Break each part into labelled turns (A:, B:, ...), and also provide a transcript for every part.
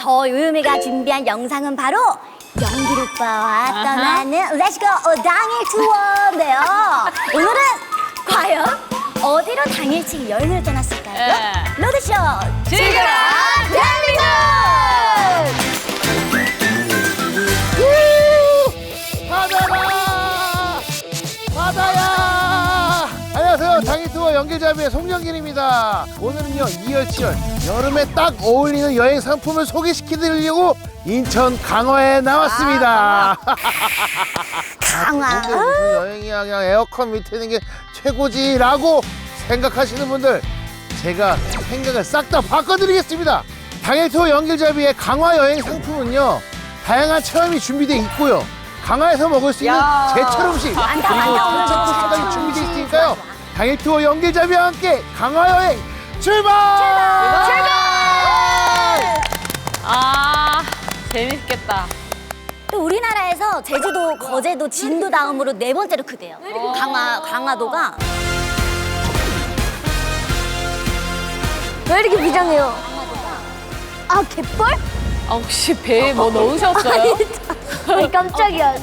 A: 저 요요미가 준비한 영상은 바로 영길 오빠와 떠나는 렛츠고 당일 투어인데요. 오늘은 과연 어디로 당일치 여행을 떠났을까요? 로드쇼 즐겨라 대한민국!
B: 바다라! 바다야! 안녕하세요. 당일투어 연길잡이의 송영길입니다. 오늘은요, 이열치열 여름에 딱 어울리는 여행 상품을 소개시켜드리려고 인천 강화에 나왔습니다.
A: 강화.
B: 근데 무슨 여행이야, 그냥 에어컨 밑에 있는 게 최고지라고 생각하시는 분들, 제가 생각을 싹 다 바꿔드리겠습니다. 당일투어 연길잡이의 강화 여행 상품은요, 다양한 체험이 준비되어 있고요. 강화에서 먹을 수 있는 제철 음식 그리고
A: 많다.
B: 특급 식사까지 준비되어 있으니까요. 당일투어 연길잡이와 함께 강화 여행 출발!
C: 아, 재밌겠다.
A: 또 우리나라에서 제주도, 거제도, 진도 다음으로 네 번째로 크대요. 강화도가. 왜 이렇게 비장해요? 아, 갯벌?
C: 아, 혹시 배에 뭐 넣으셨어요?
A: 아니, 깜짝이야.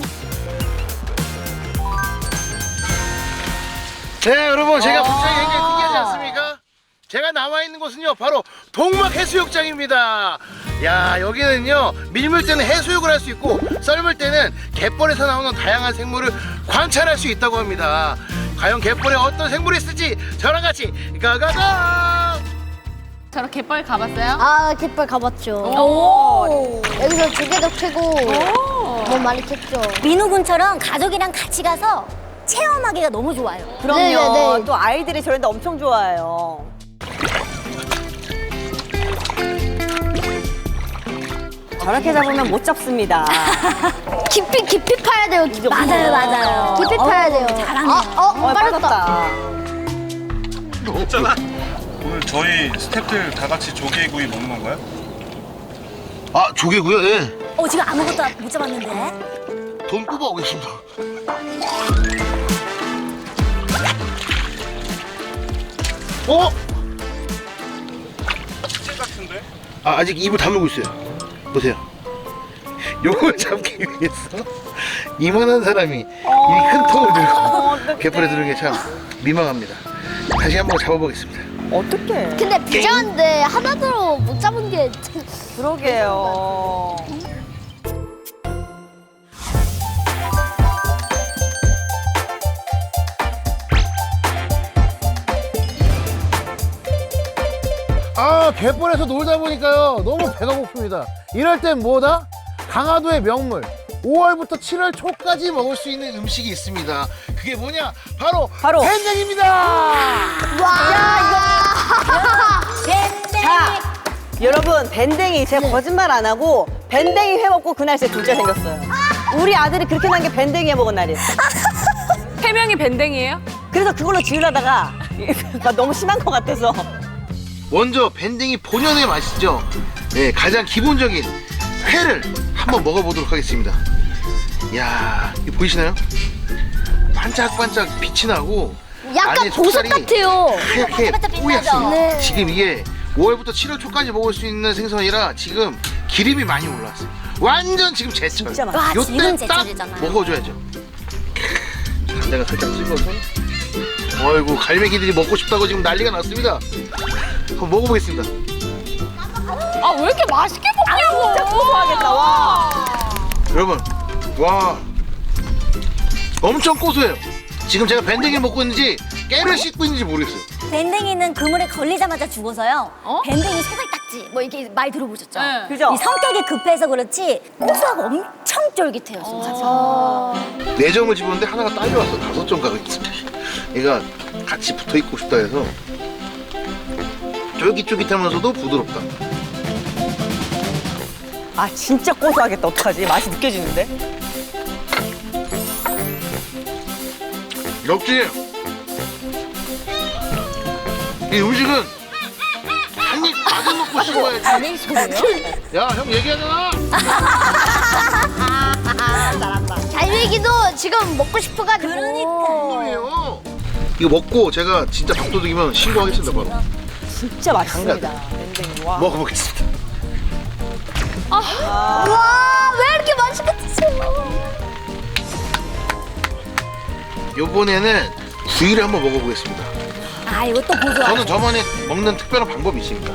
B: 네, 여러분, 제가 분장이 굉장히 특이하지 않습니까? 제가 나와 있는 곳은요, 바로 동막 해수욕장입니다. 야, 여기는요, 밀물 때는 해수욕을 할 수 있고 썰물 때는 갯벌에서 나오는 다양한 생물을 관찰할 수 있다고 합니다. 과연 갯벌에 어떤 생물이 있을지 저랑 같이 가가가!
C: 저런 갯벌 가봤어요?
D: 아, 갯벌 가봤죠.
C: 오.
D: 여기서 조개도 캐고 뭐 많이 캤죠.
A: 민호 군처럼 가족이랑 같이 가서 체험하기가 너무 좋아요.
E: 그럼요.
D: 네네네.
E: 또 아이들이 저런데 엄청 좋아해요. 저렇게 잡으면 못 잡습니다.
D: 깊이 파야 돼요. 깊이.
A: 맞아요.
D: 깊이 파야 돼요.
A: 잘하네요.
D: 빠졌다.
F: 있잖아. 오늘 저희 스태프들 다 같이 조개구이 먹는 건가요?
B: 아, 조개구요? 예.
A: 지금 아무것도 못 잡았는데.
B: 돈 뽑아오겠습니다. 어?
F: 찌 같은데?
B: 아, 아직 입을 다물고 있어요. 보세요. 요걸 잡기 위해서 이만한 사람이 이 큰 통을 들고 갯벌에 들은 게 참 민망합니다. 다시 한번 잡아보겠습니다.
E: 어떡해.
D: 근데 비장한데 하나도 못 잡은 게
E: 그러게요.
B: 아, 갯벌에서 놀다 보니까요, 너무 배가 고픕니다. 이럴 땐 뭐다? 강화도의 명물 5월부터 7월 초까지 먹을 수 있는 음식이 있습니다. 그게 뭐냐? 바로 밴댕입니다.
E: 자, 여러분, 밴댕이 제가 거짓말 안 하고 밴댕이 회 먹고 그날 제 둘째 생겼어요. 우리 아들이 그렇게 난 게 밴댕이 해 먹은 날이에요.
C: 세 명이 밴댕이에요?
E: 그래서 그걸로 지으려다가 너무 심한 것 같아서.
B: 먼저 밴댕이 본연의 맛이죠. 네, 가장 기본적인 회를 한번 먹어보도록 하겠습니다. 이야, 이거 보이시나요? 반짝반짝 빛이 나고
D: 약간
B: 안에
D: 보석
B: 속살이
D: 같아요.
B: 하얗게
A: 반짝반짝
B: 뽀얗습니다.
A: 빛나죠?
D: 네.
B: 지금 이게 5월부터 7월 초까지 먹을 수 있는 생선이라 지금 기름이 많이 올라왔어요. 완전 지금 제철.
E: 진짜 맛있어.
A: 와, 지금
B: 요때 딱
A: 제철이잖아요.
B: 먹어줘야죠. 내가 살짝 찍어서. 어이구, 갈매기들이 먹고 싶다고 지금 난리가 났습니다. 한번 먹어보겠습니다.
C: 아, 왜 이렇게 맛있게 먹냐고!
E: 진짜 고소하겠다, 와.
B: 여러분, 와, 엄청 고소해요. 지금 제가 밴댕이 먹고 있는지 깨를 씻고 있는지 모르겠어요.
A: 밴댕이는 그물에 걸리자마자 죽어서요.
C: 어?
A: 밴댕이 소갈딱지 뭐 이렇게 많이 들어보셨죠?
C: 네.
E: 그죠?
A: 이 성격이 급해서 그렇지 고소하고 엄청 쫄깃해요, 진짜.
B: 4점을 집었는데 하나가 딸려왔어. 5점 가고 있습니다. 얘가 같이 붙어있고 싶다 해서 쫄깃쫄깃하면서도 부드럽다.
E: 아, 진짜 고소하겠다. 어떡하지? 맛이 느껴지는데?
B: 역시 이 음식은 한 입 가득 먹고 씹어야지.
C: 갈매기 소리예요?
B: 야, 형 얘기하잖아.
D: 갈매기도 지금 먹고 싶어가지고.
B: 형님이에요. 이거 먹고 제가 진짜 밥도둑이면 신고하겠습니다, 바로.
E: 진짜 맛있습니다. 밴댕이. 와.
B: 먹어보겠습니다.
D: 와, 왜 이렇게 맛있게 드세요?
B: 요번에는 구이를 한번 먹어보겠습니다.
A: 아, 이것도 고소하죠.
B: 저는 저만의 먹는 특별한 방법이 있습니다.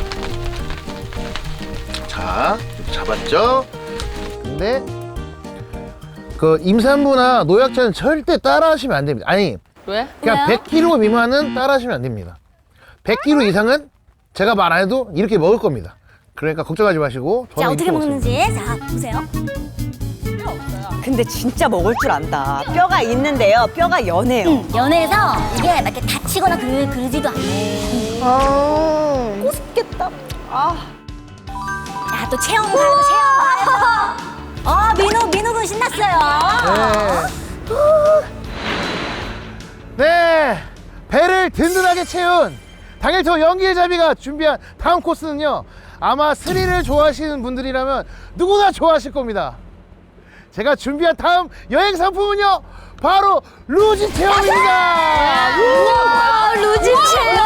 B: 자, 이렇게 잡았죠? 근데 그 임산부나 노약자는 절대 따라하시면 안 됩니다. 아니,
C: 왜?
B: 그냥 100kg 미만은 따라하시면 안 됩니다. 100kg 이상은 제가 말 안 해도 이렇게 먹을 겁니다. 그러니까 걱정하지 마시고.
A: 자,
B: 저는
A: 어떻게
B: 이렇게 먹습니다.
A: 먹는지. 자, 보세요.
E: 근데 진짜 먹을 줄 안다. 뼈가 있는데요. 뼈가 연해요.
A: 연해서 이게 막 이렇게 다치거나 그러지도 않아요.
E: 꼬습겠다. 아.
A: 야, 또 체험 가야죠, 체험. 민우군 신났어요.
B: 네, 배를 든든하게 채운 당일토 연길잡이가 준비한 다음 코스는요, 아마 스릴을 좋아하시는 분들이라면 누구나 좋아하실 겁니다. 제가 준비한 다음 여행 상품은요, 바로 루지 체험입니다.
D: 와, 루지 체험.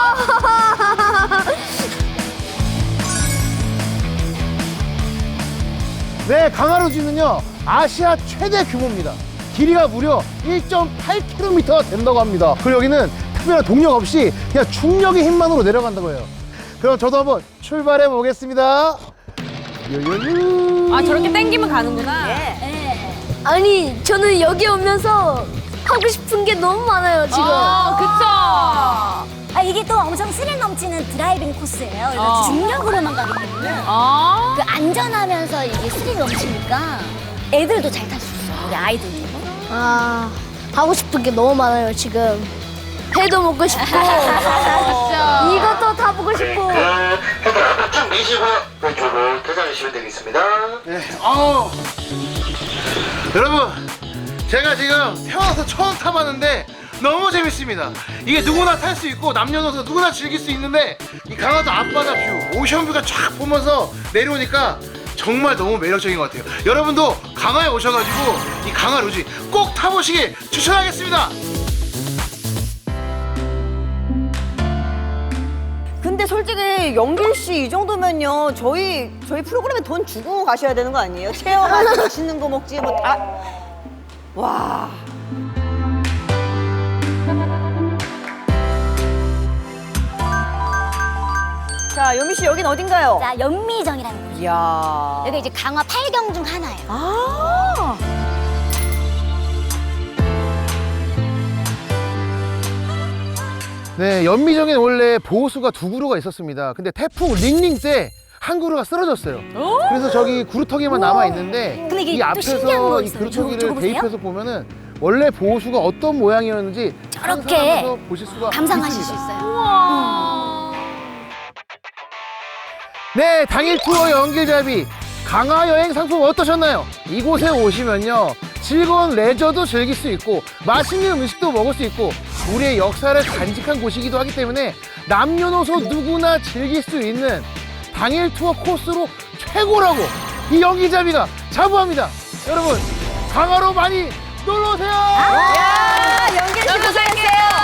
B: 네, 강화루지는요, 아시아 최대 규모입니다. 길이가 무려 1.8km 된다고 합니다. 그리고 여기는 특별한 동력 없이 그냥 중력의 힘만으로 내려간다고 해요. 그럼 저도 한번 출발해 보겠습니다. 요요요.
C: 아, 저렇게 땡기면 가는구나.
D: 아니, 저는 여기 오면서 하고 싶은 게 너무 많아요, 지금.
C: 그쵸.
A: 아, 이게 또 엄청 스릴 넘치는 드라이빙 코스예요. 그래서
C: 어.
A: 중력으로만 가기 때문에
C: 아.
A: 그 안전하면서 이게 스릴 넘치니까 애들도 잘 탈 수 있어요. 우리 아이들도.
D: 아, 하고 싶은 게 너무 많아요, 지금. 회도 먹고 싶고, 이것도 다 보고 싶고.
B: 헤드를 앞으로 쭉 미시고 왼쪽으로 퇴장해주시면 되겠습니다. 네, 여러분, 제가 지금 태어나서 처음 타봤는데 너무 재밌습니다. 이게 누구나 탈 수 있고 남녀노소 누구나 즐길 수 있는데 이 강화도 앞바다 뷰, 오션뷰가 쫙 보면서 내려오니까 정말 너무 매력적인 것 같아요. 여러분도 강화에 오셔가지고 이 강화 루지 꼭 타보시길 추천하겠습니다.
E: 근데 솔직히 영길 씨 이 정도면요. 저희 프로그램에 돈 주고 가셔야 되는 거 아니에요? 체험하고 맛있는 거 먹지 뭐 다. 와. 자, 요미 씨 여긴 어딘가요?
A: 자, 연미정이라는 곳.
E: 이야.
A: 여기 이제 강화 8경 중 하나예요.
E: 아.
B: 네, 연미정에는 원래 보호수가 2그루가 있었습니다. 근데 태풍 링링 때 한 그루가 쓰러졌어요. 그래서 저기 그루터기만 남아 있는데
A: 근데 이게
B: 이
A: 또
B: 앞에서
A: 신기한 거
B: 이
A: 있어요.
B: 그루터기를
A: 저거 보세요.
B: 대입해서 보면은 원래 보호수가 어떤 모양이었는지
A: 저렇게
B: 상상하면서 보실 수가
A: 감상하실 수
B: 있습니다.
A: 있어요.
B: 네, 당일 투어 연길잡이 강화 여행 상품 어떠셨나요? 이곳에 오시면요, 즐거운 레저도 즐길 수 있고 맛있는 음식도 먹을 수 있고 우리의 역사를 간직한 곳이기도 하기 때문에 남녀노소 누구나 즐길 수 있는 당일 투어 코스로 최고라고 이 연길잡이가 자부합니다. 여러분, 강화로 많이 놀러 오세요.